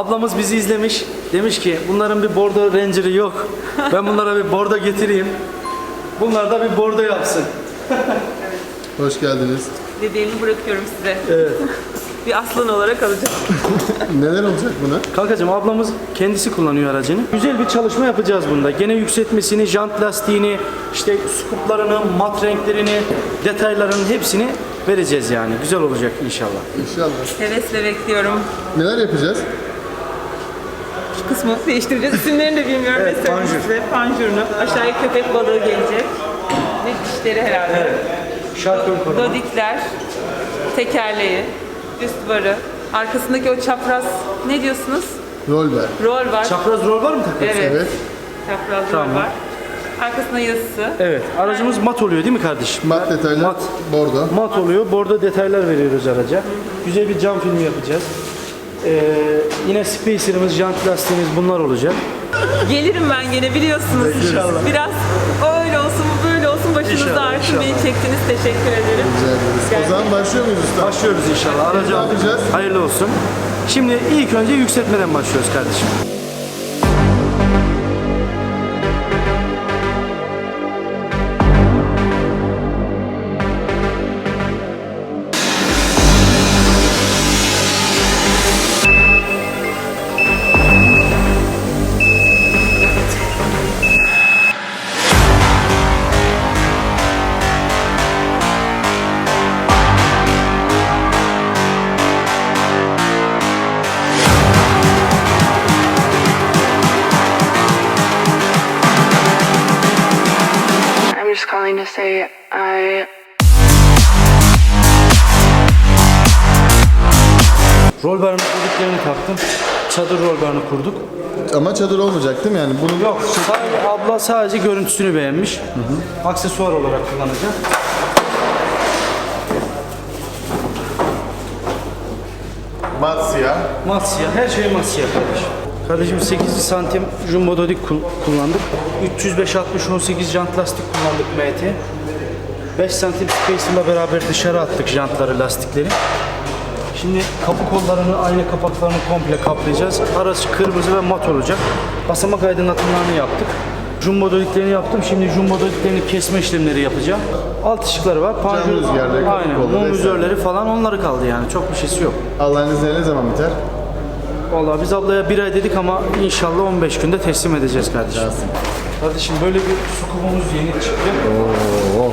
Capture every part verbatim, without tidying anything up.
Ablamız bizi izlemiş. Demiş ki bunların bir bordo Ranger'ı yok. Ben bunlara bir bordo getireyim. Bunlar da bir bordo yapsın. Hoş geldiniz. Dediğimi bırakıyorum size. Evet. Bir aslan olarak alacağım. Neler olacak buna? Kankacığım ablamız kendisi kullanıyor aracını. Güzel bir çalışma yapacağız bunda. Gene yükseltmesini, jant lastiğini, işte skuplarını, mat renklerini, detaylarının hepsini vereceğiz yani. Güzel olacak inşallah. İnşallah. Hevesle bekliyorum. Neler yapacağız? Şu kısmı değiştireceğiz. İsimlerini de bilmiyorum. Evet, ve söyleyeyim panjur. size. Panjurunu. Aşağıya köpek balığı gelecek. Ve dişleri herhalde. Evet. Şarkön koruma. Dodikler. Tekerleği. Üst barı. Arkasındaki o çapraz ne diyorsunuz? Rol ver. Rol var. Çapraz rol var mı takıyorsun? Evet. Evet. Çapraz Tamam. rol var. Arkasında yazısı. Evet. Aracımız mat oluyor değil mi kardeşim? Mat detaylar. Mat. Bordo. Mat oluyor. Bordo detaylar veriyoruz araca. Güzel bir cam filmi yapacağız. Ee, yine spacer'ımız, jant lastiğimiz bunlar olacak. Gelirim ben gene biliyorsunuz. İnşallah. Biraz o öyle olsun bu böyle olsun başınızda İnşallah, artık inşallah. beni çektiniz. Teşekkür ederim. Rica ederiz. O zaman başlıyor muyuz usta? Başlıyoruz inşallah. Aracı Ne aldık. yapacağız? Hayırlı olsun. Şimdi ilk önce yükseltmeden başlıyoruz kardeşim. I'm just calling to say I Rol barının kurduklarını taktım. Çadır rol barını kurduk. Ama çadır olmayacak değil mi yani? Bunu Yok, sadece, abla sadece görüntüsünü beğenmiş. Aksesuar olarak kullanacak. mat siyah. Mat siyah, her şey mat siyah kardeşim. Kardeşim sekiz santim jumbo dodik kul- kullandık. üç yüz beş altmış on sekiz jant lastik kullandık M T. beş santim spacer'la beraber dışarı attık jantları, lastikleri. Şimdi kapı kollarını, ayna kapaklarını komple kaplayacağız. Araç kırmızı ve mat olacak. Basamak aydınlatmalarını yaptık. Jumbo dodiklerini yaptım. Şimdi jumbo dodiklerini kesme işlemleri yapacağım. Alt ışıkları var. Panjur, rüzgarları, kapı aynen, kolları mum vesaire. vizörleri falan onları kaldı yani. Çok bir şeysi yok. Allah'ın izniyle ne zaman biter? Vallahi biz ablaya bir ay dedik ama inşallah on beş günde teslim edeceğiz kardeşim. Kardeşim böyle bir sukubumuz yeni çıktı. Oo.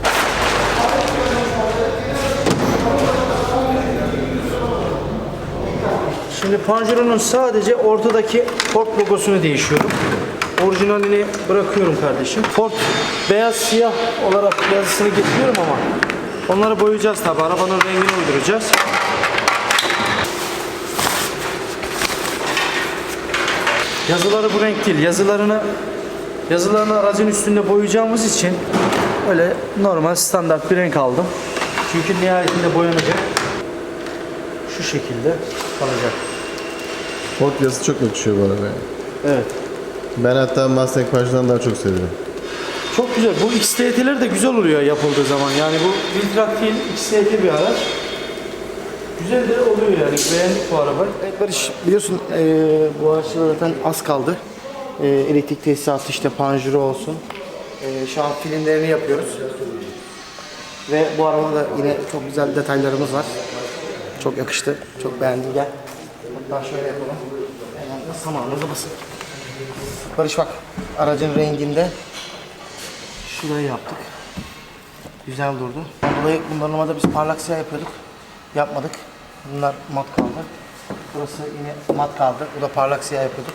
Şimdi panjurunun sadece ortadaki Ford logosunu değişiyorum. Orijinalini bırakıyorum kardeşim. Ford beyaz siyah olarak yazısını getiriyorum ama onları boyayacağız tabi. Arabanın rengini uyduracağız. Yazıları bu renk değil. Yazılarını yazılarını aracın üstünde boyayacağımız için öyle normal standart bir renk aldım. Çünkü nihayetinde boyanacak. Şu şekilde kalacak. Ford yazısı çok yakışıyor bu arabaya. Evet. Ben hatta Mustang Page'dan daha çok seviyorum. Çok güzel. Bu X T T'ler de güzel oluyor yapıldığı zaman. Yani bu Viltrak değil, X T T bir araç. Güzel de oluyor yani. Beğendik bu arabayı. Evet Barış, biliyorsun eee bu araçta zaten az kaldı. Eee, elektrik tesisatı işte panjuru olsun. Eee, şu an filmlerini yapıyoruz. Ve bu arabada da yine çok güzel detaylarımız var. Çok yakıştı, çok beğendim. Gel. Hatta şöyle yapalım. Hemen de samanımızı basın. Barış bak, aracın renginde şurayı yaptık. Güzel durdu. Dolayı bundan normalde biz parlak siyah yapıyorduk. Yapmadık. Bunlar mat kaldı. Burası yine mat kaldı. Bu da parlak siyah yapıyorduk.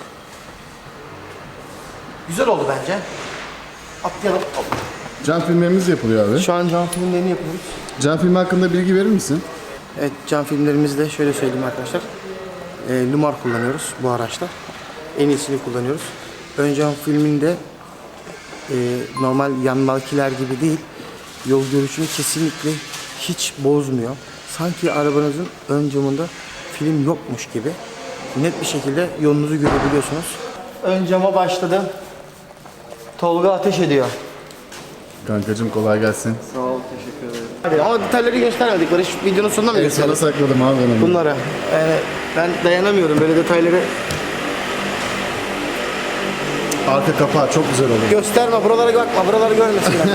Güzel oldu bence. Atlayalım. Hop. Cam filmlerimiz yapılıyor abi. Şu an cam filmlerini yapıyoruz. Cam filmi hakkında bilgi verir misin? Evet, cam filmlerimizde şöyle söyleyeyim arkadaşlar. E, Lumar kullanıyoruz bu araçta. En iyisini kullanıyoruz. Ön cam filminde e, normal yanmakiler gibi değil. Yol görüşünü kesinlikle hiç bozmuyor. Sanki arabanızın ön camında film yokmuş gibi net bir şekilde yolunuzu görebiliyorsunuz. Ön cama başladım. Tolga ateş ediyor. Kankacım kolay gelsin. Sağ ol, teşekkür ederim. Hadi ama detayları göstermedik. Barış videonun sonunda mı Evet, gösterelim? sana sakladım abi ben onu. Bunlara. Yani ben dayanamıyorum böyle detayları. Arka kapağı çok güzel olur. Gösterme, buralara bakma, buraları görmesinler.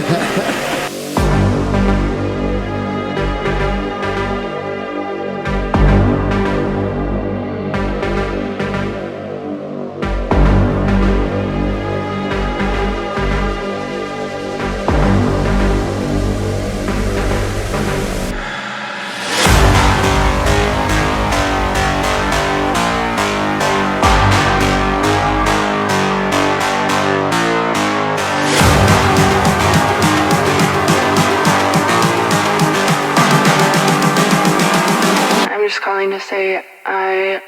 I'm just calling to say I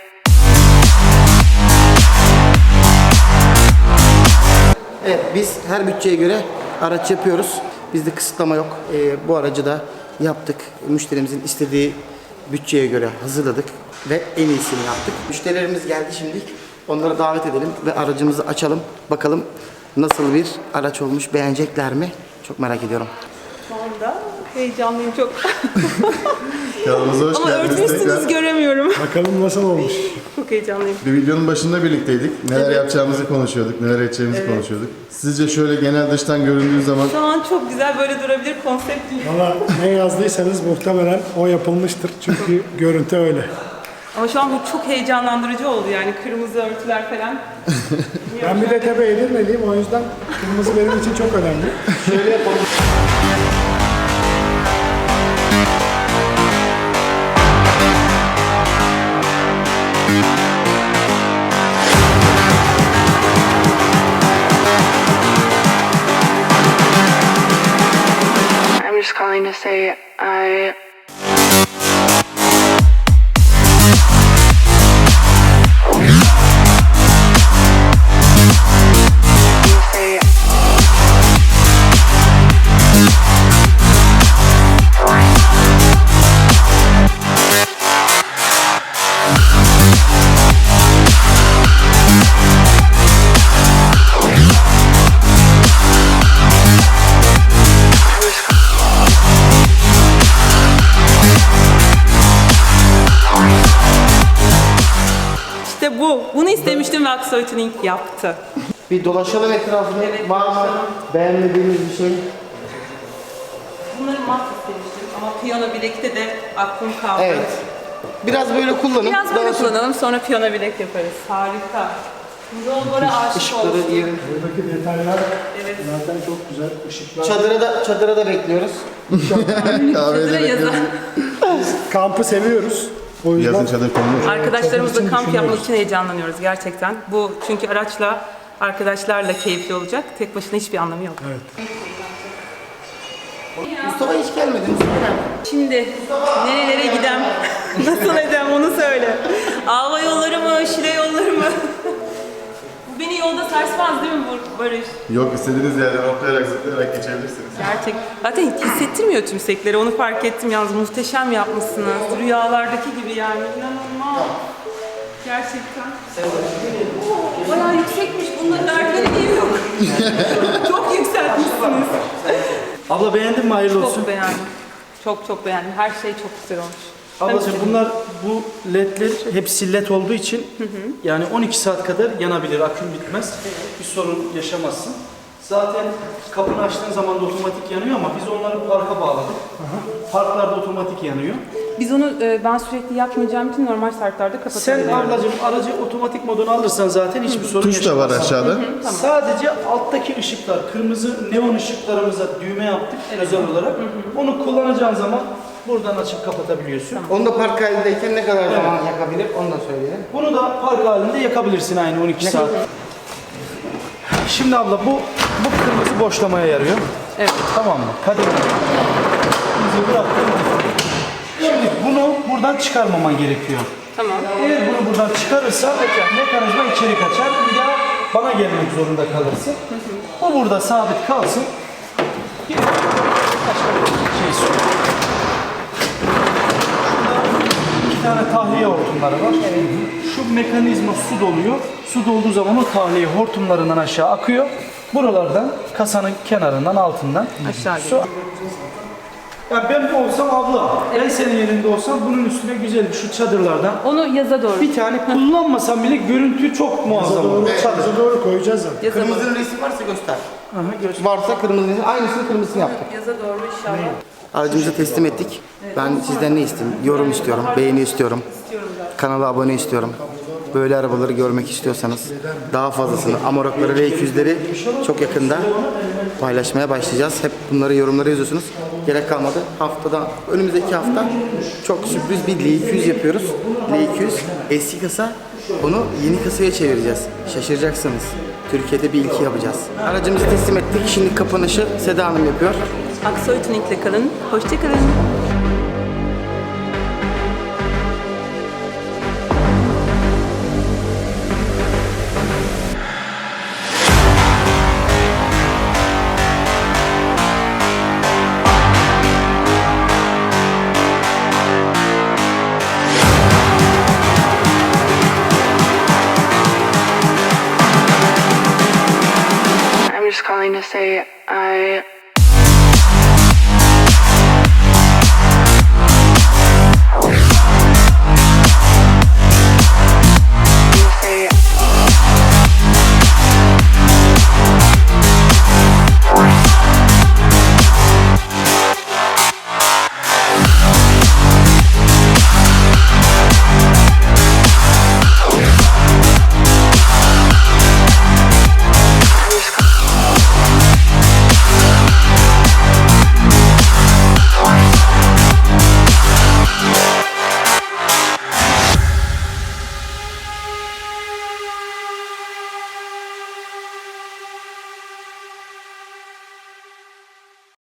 Evet, biz her bütçeye göre araç yapıyoruz. Bizde kısıtlama yok. Ee, bu aracı da yaptık. Müşterimizin istediği bütçeye göre hazırladık ve en iyisini yaptık. Müşterilerimiz geldi şimdi. Onları davet edelim ve aracımızı açalım. Bakalım nasıl bir araç olmuş, beğenecekler mi? Çok merak ediyorum. Şu anda heyecanlıyım çok. Kanalımıza hoş Ama geldiniz örtmüşsünüz tekrar. göremiyorum. Bakalım nasıl olmuş. Çok heyecanlıyım. Bir videonun başında birlikteydik. Neler yapacağımızı konuşuyorduk, neler edeceğimizi konuşuyorduk. Sizce şöyle genel dıştan göründüğü zaman Şu an çok güzel böyle durabilir konsept değil. Valla ne yazdıysanız muhtemelen o yapılmıştır. Çünkü görüntü öyle. Ama şu an bu çok heyecanlandırıcı oldu yani kırmızı örtüler falan. Ben bir de tabi Edirne'liyim, o yüzden kırmızı benim için çok önemli. Şöyle yapalım. I'm just calling to say I say İşte bu. Bunu istemiştim ve Aksoy Tuning yaptı. Bir dolaşalım etrafını. Evet, Var mı dolaşalım. beğenmediğimiz bir şey? Bunları mat istemiştim ama piyano bilekte de aklım kaldı. Evet. Biraz böyle kullanın. Biraz böyle Daha sonra kullanalım sonra piyano bilek yaparız. Harika. Yollara aşık ışıkları oldum. diyelim. Buradaki detaylar Evet. zaten çok güzel. Işıklar. Çadıra da, çadıra da bekliyoruz. kahvede Çadıra yazın. bekliyoruz. Kampı seviyoruz. O yüzden Yazın çadır konulur. Arkadaşlarımızla Çadır için kamp yapmak düşünüyoruz. için heyecanlanıyoruz gerçekten. Bu çünkü araçla, arkadaşlarla keyifli olacak. Tek başına hiçbir anlamı yok. Mustafa hiç gelmedi. Mustafa nerede? Şimdi nerelere gidem, nasıl edem onu söyle. Ava yolları mı, Şile yolları mı? Bu beni yolda sarsmaz değil mi bu Barış? Yok, istediğiniz yerden hoplayarak zıplayarak geçebilirsiniz. Gerçek. Zaten hissettirmiyor tümsekleri. Onu fark ettim yalnız. Muhteşem yapmışsınız. Rüyalardaki gibi yani. İnanılmaz. Gerçekten. Oo, bayağı yüksekmiş. Bunda dertleri niye yok? Çok yükseltmişsiniz. Abla beğendin mi? Hayırlı olsun. Çok beğendim. Çok çok beğendim. Her şey çok güzel olmuş. Ablacığım Ben- bunlar bu ledler hepsi led olduğu için yani on iki saat kadar yanabilir. Aküm bitmez. Bir sorun yaşamazsın. Zaten kapını açtığın zaman da otomatik yanıyor ama biz onları parka bağladık. Parklarda otomatik yanıyor. Biz onu e, ben sürekli yapmayacağım için normal şartlarda Sen kapatabiliyorum. ablacığım aracı otomatik moduna alırsan zaten hiçbir sorun Tuş da var yaşamazsın. aşağıda. Sadece alttaki ışıklar, kırmızı neon ışıklarımıza düğme yaptık özel olarak. Onu kullanacağın zaman buradan açıp kapatabiliyorsun. Onu da park halindeyken ne kadar zaman yakabilir onu da söyleyelim. Bunu da park halinde yakabilirsin aynı on iki saat. Şimdi abla bu bu kırmızı boşlamaya yarıyor. Evet. Tamam mı? Kademe. Bizi bıraktın. Şimdi bunu buradan çıkarmaman gerekiyor. Tamam. Eğer bunu buradan çıkarırsa mekanizma içeri kaçar. Bir daha bana gelmek zorunda kalırsın. O burada sabit kalsın. Bir başka bir şey söyleyeyim. Şurada iki tane tahliye hortumları var. Şu mekanizma su doluyor. Su dolduğu zaman o tahliye hortumlarından aşağı akıyor. Buralardan kasanın kenarından altından. Aşağı Su. geliyor. Ya ben bu olsam abla, ben senin yerinde olsam bunun üstüne güzel şu çadırlardan Onu yaza doğru. bir tane kullanmasam bile görüntü çok muazzam olur. Çadır. Bize doğru koyacağız zaten. Yaza doğru. Kırmızının resmi varsa göster. Aha, göster. Varsa kırmızı resim. Aynısını kırmızısını yaptık. Yaza doğru inşallah. Aracımızı teslim ettik. Ben sizden ne isteyeyim? Yorum istiyorum, beğeni istiyorum. Kanala abone istiyorum. Böyle arabaları görmek istiyorsanız daha fazlasını, Amarok'ları ve iki yüzleri çok yakında paylaşmaya başlayacağız. Hep bunları yorumlara yazıyorsunuz. Gerek kalmadı. Haftada, önümüzdeki hafta çok sürpriz bir L iki yüz yapıyoruz. L iki yüz eski kasa, bunu yeni kasaya çevireceğiz. Şaşıracaksınız. Türkiye'de bir ilki yapacağız. Aracımızı teslim ettik. Şimdi kapanışı Seda Hanım yapıyor. Aksoy Tuning'le kalın. Hoşçakalın. I'm just calling to say I